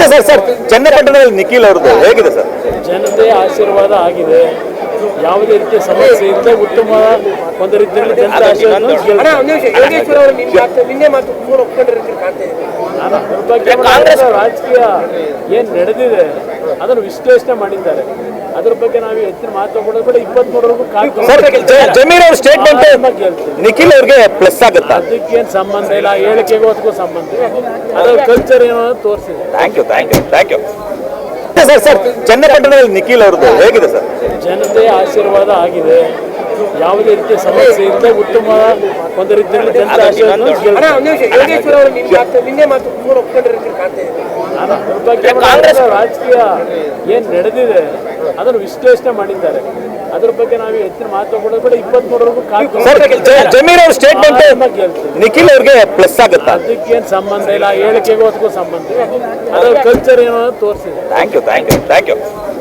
Sir ಚನ್ನಪಟ್ಟಣದಲ್ಲಿ ನಿಖಿಲ್ ಅವ್ರದ್ದು ಹೇಗಿದೆ ಸರ್? ಜನತೆ ಆಶೀರ್ವಾದ ಆಗಿದೆ. ಯಾವುದೇ ರೀತಿಯ ಸಮಸ್ಯೆ ಇಲ್ಲದೆ ಉತ್ತಮ ಒಂದು ರೀತಿಯಲ್ಲಿ ಜನತೆ ಆಶೀರ್ವಾದ ಕಾಂಗ್ರೆಸ್ ರಾಜಕೀಯ ಏನು ನಡೆದಿದೆ ಅದನ್ನು ವಿಶ್ಲೇಷಣೆ ಮಾಡಿದ್ದಾರೆ. ಅದ್ರ ಬಗ್ಗೆ ನಾವು ಹೆಚ್ಚಿನ ಮಾತು ಕೊಡೋದು ಕೂಡ 23 ಜಮೀರ್ ಅವ್ರ ಸ್ಟೇಟ್ಮೆಂಟ್ ನಿಖಿಲ್ ಅವ್ರಿಗೆ ಪ್ಲಸ್ ಆಗುತ್ತಾ? ಅದಕ್ಕೇನು ಸಂಬಂಧ ಇಲ್ಲ, ಹೇಳಿಕೆಗೂ ಅದಕ್ಕೂ ಸಂಬಂಧ ಇಲ್ಲ. ಅದರ ಕಲ್ಚರ್ ಏನೋ ತೋರಿಸಿದೆ. ಥ್ಯಾಂಕ್ ಯು ಸರ್ ಚನ್ನಪಟ್ಟಣದಲ್ಲಿ ನಿಖಿಲ್ ಅವ್ರದ್ದು ಹೇಗಿದೆ ಸರ್? ಜನತೆ ಆಶೀರ್ವಾದ ಆಗಿದೆ. ಯಾವುದೇ ರೀತಿಯ ಸಮಸ್ಯೆ ಇಲ್ಲದೆ ಉತ್ತಮ ಒಂದು ರೀತಿಯಲ್ಲಿ ಜನತೆ ಆಶೀರ್ವಾದ ಕಾಂಗ್ರೆಸ್ ರಾಜಕೀಯ ಏನು ನಡೆದಿದೆ ಅದನ್ನು ವಿಶ್ಲೇಷಣೆ ಮಾಡಿದ್ದಾರೆ. ಅದ್ರ ಬಗ್ಗೆ ನಾವು ಹೆಚ್ಚಿನ ಮಾತು ಕೊಡೋದು ಕೂಡ 23 ಜಮೀರ್ ಅವ್ರ ಸ್ಟೇಟ್ಮೆಂಟ್ ನಿಖಿಲ್ ಅವ್ರಿಗೆ ಪ್ಲಸ್ ಆಗುತ್ತಾ? ಅದಕ್ಕೇನು ಸಂಬಂಧ ಇಲ್ಲ, ಹೇಳಿಕೆಗೂ ಅದಕ್ಕೂ ಸಂಬಂಧ ಇಲ್ಲ. ಅದರ ಕಲ್ಚರ್ ಏನೋ ತೋರಿಸಿದೆ. Thank you